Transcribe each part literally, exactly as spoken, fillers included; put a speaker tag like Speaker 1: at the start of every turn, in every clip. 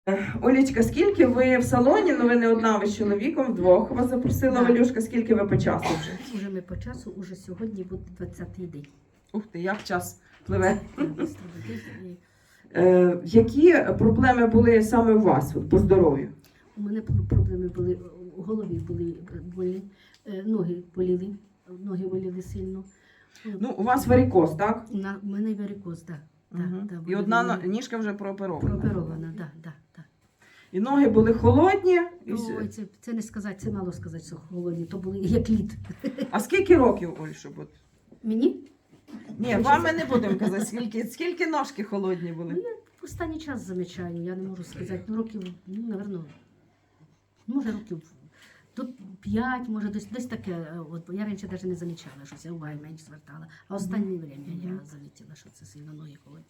Speaker 1: Олечка, скільки ви в салоні? Ну ви не одна, ви з чоловіком, вдвох вас запросила
Speaker 2: Так.
Speaker 1: Валюшка. Скільки ви по часу вже?
Speaker 2: Уже ми по часу, уже сьогодні буде двадцятий день.
Speaker 1: Ух ти, як час пливе.
Speaker 2: Бистро летить. І
Speaker 1: Е, які проблеми були саме у вас от, по здоров'ю?
Speaker 2: У мене проблеми були, у голові були болі, е, ноги боліли, ноги боліли сильно.
Speaker 1: Ну, у вас варикоз, так?
Speaker 2: На, у мене варикоз, так. Да,
Speaker 1: Угу.
Speaker 2: да,
Speaker 1: І
Speaker 2: боліли
Speaker 1: одна
Speaker 2: ноги.
Speaker 1: но- ніжка вже прооперована.
Speaker 2: Прооперована, так, так, так.
Speaker 1: І ноги були холодні. І... с-
Speaker 2: Ой, це, це не сказати, це мало сказати, що холодні, то були як лід.
Speaker 1: А скільки років, Оль, щоб от?
Speaker 2: Мені?
Speaker 1: Ні, вам ми не будемо казати, скільки, скільки ножки холодні були.
Speaker 2: Ну, я в останній час замічаю, я не можу сказати, ну років, ну, напевно, може років тут п'ять, може десь, десь таке. От, бо я раніше навіть не замічала, що я уваги менш звертала. А останнє время я
Speaker 1: Мгм.
Speaker 2: замітила, що це сильно ноги холодні.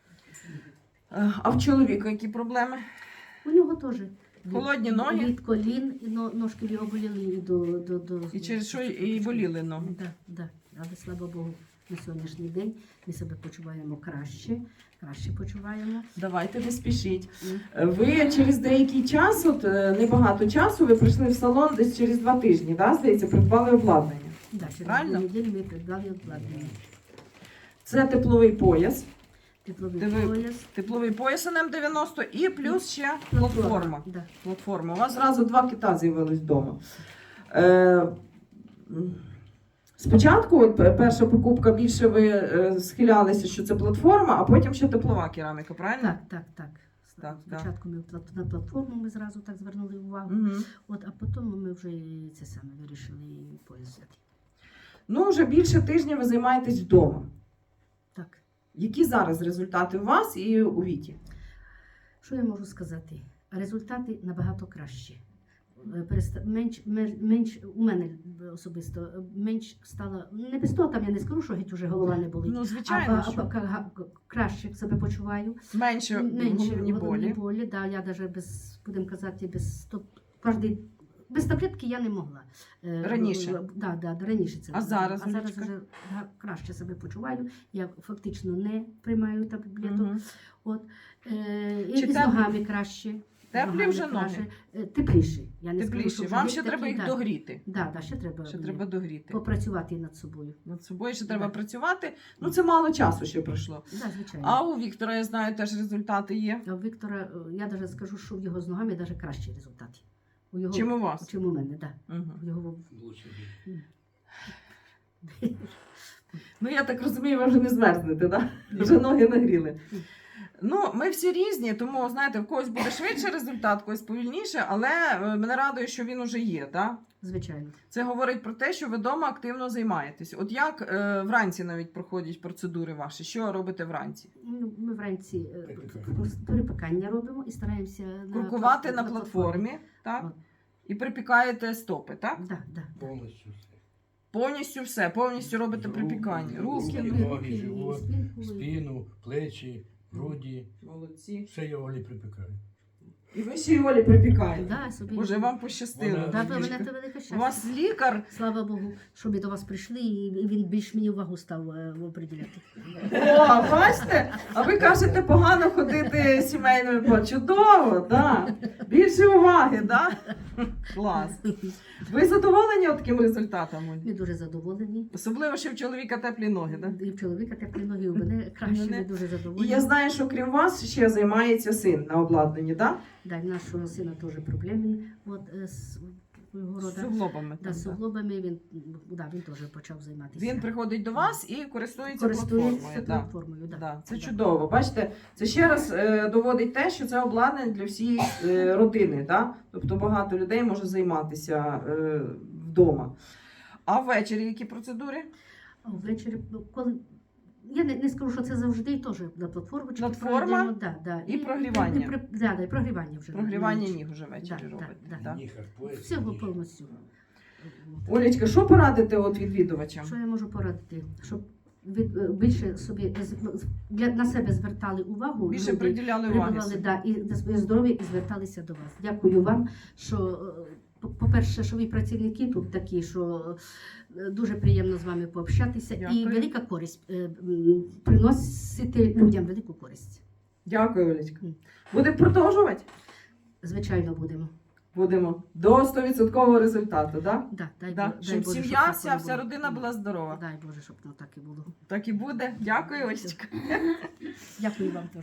Speaker 1: Е, А в чоловіка які проблеми?
Speaker 2: У нього теж. від-
Speaker 1: Холодні ноги?
Speaker 2: Від колін, і но- ножки в його боліли і до... до, до
Speaker 1: І через що і боліли ноги?
Speaker 2: Так, да, да. Але слава Богу, на сьогоднішній день ми себе почуваємо краще, краще почуваємо.
Speaker 1: Давайте, не спішіть.
Speaker 2: М.
Speaker 1: Е, Ви через деякий час, от е, небагато часу, ви прийшли в салон десь через два тижні, да, здається, придбали обладнання.
Speaker 2: Да, через
Speaker 1: Правильно?
Speaker 2: дві неділі ми придбали обладнання.
Speaker 1: Це тепловий пояс,
Speaker 2: Тепловий
Speaker 1: Диви-
Speaker 2: пояс.
Speaker 1: тепловий пояс ен ем дев'яносто і плюс ще платформа.
Speaker 2: Да.
Speaker 1: Платформа. У вас зразу два кита з'явились вдома. Е, м, спочатку, от, пе- перша покупка, більше ви е, схилялися, що це платформа, а потім ще теплова кераміка, правильно?
Speaker 2: Так, так, так.
Speaker 1: Так,
Speaker 2: Спочатку ми плат- на платформу ми зразу так звернули увагу.
Speaker 1: Угу.
Speaker 2: От, а потім ми вже і це саме вирішили і пояс взяти.
Speaker 1: Ну, вже більше тижня ви займаєтесь вдома.
Speaker 2: Так.
Speaker 1: Які зараз результати у вас і у Віті?
Speaker 2: Що я можу сказати? Результати набагато кращі. Е, переста- Менш, мер- менш, у мене особисто е, менш стало, не без того там я не скажу, що геть уже голова не болить.
Speaker 1: Ну,
Speaker 2: А,
Speaker 1: звичайно,
Speaker 2: а,
Speaker 1: що
Speaker 2: а, ка- га- краще себе почуваю.
Speaker 1: менше
Speaker 2: Менше
Speaker 1: головні болі.
Speaker 2: болі, да, я навіть без, будемо казати, без стоп, кожний, без таблетки я не могла. Е,
Speaker 1: Раніше?
Speaker 2: е, Да, да, да, раніше це
Speaker 1: А
Speaker 2: було.
Speaker 1: зараз,
Speaker 2: а зараз
Speaker 1: Олечка?
Speaker 2: вже га- краще себе почуваю. Я фактично не приймаю таблеток.
Speaker 1: Мгм.
Speaker 2: От, е, і,
Speaker 1: Чи
Speaker 2: і з
Speaker 1: теплі?
Speaker 2: ногами краще. з
Speaker 1: Теплі
Speaker 2: ногами
Speaker 1: вже ноги?
Speaker 2: краще. Е, Тепліші. Я не скажу,
Speaker 1: Тепліші.
Speaker 2: що вже
Speaker 1: Вам
Speaker 2: геть
Speaker 1: ще треба
Speaker 2: такі,
Speaker 1: їх
Speaker 2: да.
Speaker 1: догріти.
Speaker 2: Да, да, ще треба,
Speaker 1: Ще
Speaker 2: мені
Speaker 1: треба догріти.
Speaker 2: попрацювати над собою.
Speaker 1: Над собою ще треба
Speaker 2: Да.
Speaker 1: працювати. Ну, це мало часу ще пройшло.
Speaker 2: Да, звичайно.
Speaker 1: А у Віктора, я знаю, теж результати є.
Speaker 2: А у Віктора, е, я навіть скажу, що в його з ногами навіть кращі результати. У його,
Speaker 1: Чим у вас?
Speaker 2: Чим у мене, так. Да.
Speaker 1: Угу.
Speaker 2: В його...
Speaker 1: Ну, я так розумію, ви вже не змерзнете, да? Вже ноги нагріли. Ну, ми всі різні, тому, знаєте, в когось буде швидше результат, в когось повільніше, але е, мене радує, що він уже є, так?
Speaker 2: Звичайно.
Speaker 1: Це говорить про те, що ви вдома активно займаєтесь. От як е, вранці навіть проходять процедури ваші? Що робите вранці?
Speaker 2: Ну, ми вранці е,
Speaker 3: Припікання.
Speaker 2: перепікання робимо і стараємося на,
Speaker 1: Куркувати
Speaker 2: плат-
Speaker 1: на платформі, так?
Speaker 2: От.
Speaker 1: І припікаєте стопи, так?
Speaker 2: Да, да.
Speaker 3: Повністю все.
Speaker 1: Повністю все, повністю робите
Speaker 3: Руки,
Speaker 1: припікання. Руки.
Speaker 3: руки, ноги,
Speaker 2: і
Speaker 3: живот,
Speaker 2: спинку, і-
Speaker 3: спину, плечі, груді.
Speaker 1: Молодці.
Speaker 3: Все я Олі припікаю.
Speaker 1: І ви ще й Олі припікаєте.
Speaker 2: Да, собі.
Speaker 1: Боже, вам пощастило.
Speaker 3: Вона-
Speaker 2: Да, да,
Speaker 1: Олічка.
Speaker 2: мене це велике
Speaker 1: У
Speaker 2: щастя.
Speaker 1: вас лікар.
Speaker 2: Слава Богу, що ми до вас прийшли, і він більш мені увагу став е, оприділяти.
Speaker 1: О, бачите? А ви кажете, погано ходити сімейною по чудово, так. Більше уваги, так? Клас. Ви задоволені от таким результатом? Оль?
Speaker 2: Ми дуже задоволені.
Speaker 1: Особливо, що в чоловіка теплі ноги, так?
Speaker 2: І в чоловіка теплі ноги, у мене краще,
Speaker 1: Мене-
Speaker 2: ми дуже
Speaker 1: І
Speaker 2: задоволені.
Speaker 1: я знаю, що крім вас ще займається син на обладнанні, так?
Speaker 2: Да, в нашого сина теж проблеми. От, е, з його
Speaker 1: З
Speaker 2: рода.
Speaker 1: суглобами.
Speaker 2: Да,
Speaker 1: там,
Speaker 2: з
Speaker 1: да.
Speaker 2: суглобами він, да, він теж почав займатися.
Speaker 1: Він приходить до вас і користується
Speaker 2: користується
Speaker 1: платформою. Да.
Speaker 2: платформою. Да.
Speaker 1: Да, це
Speaker 2: Да.
Speaker 1: чудово. Бачите, це ще раз е, доводить те, що це обладнання для всієї е, родини. Да? Тобто багато людей може займатися е, вдома. А ввечері які процедури?
Speaker 2: А ввечері, коли я не, не скажу, що це завжди теж на платформу. чи
Speaker 1: Платформа
Speaker 2: пройдемо, да, да.
Speaker 1: і прогрівання.
Speaker 2: І, і, при- да, да, і прогрівання вже. на-
Speaker 1: Прогрівання
Speaker 2: на ніч.
Speaker 1: ніг уже ввечері
Speaker 2: Да,
Speaker 1: робите.
Speaker 2: да,
Speaker 1: Да.
Speaker 3: Ніхар, пояс,
Speaker 2: Всього
Speaker 3: ніж.
Speaker 2: повністю.
Speaker 1: Олечка, що порадите от відвідувачам?
Speaker 2: Що я можу порадити? Щоб від, е, більше собі з- з- для, на себе звертали увагу,
Speaker 1: Більше
Speaker 2: люди
Speaker 1: приділяли уваги.
Speaker 2: прибували,
Speaker 1: собі.
Speaker 2: да, і за своє здоров'я і зверталися до вас. Дякую вам, що, е, по- по-перше, що ви працівники тут такі, що е, дуже приємно з вами пообщатися. І
Speaker 1: Дякую.
Speaker 2: велика користь, е, м, приносити людям велику користь.
Speaker 1: Дякую, Олечка.
Speaker 2: Мгм.
Speaker 1: Будемо продовжувати?
Speaker 2: Звичайно, будемо.
Speaker 1: Будемо до сто відсотків результату, да?
Speaker 2: Да, дай,
Speaker 1: Да?
Speaker 2: Бо- дай
Speaker 1: Щоб
Speaker 2: Боже,
Speaker 1: сім'я
Speaker 2: так
Speaker 1: вся,
Speaker 2: воно
Speaker 1: вся
Speaker 2: було.
Speaker 1: родина була здорова.
Speaker 2: Дай Боже, щоб воно так і було.
Speaker 1: Так і буде. Дякую, Олечка.
Speaker 2: Дякую вам теж.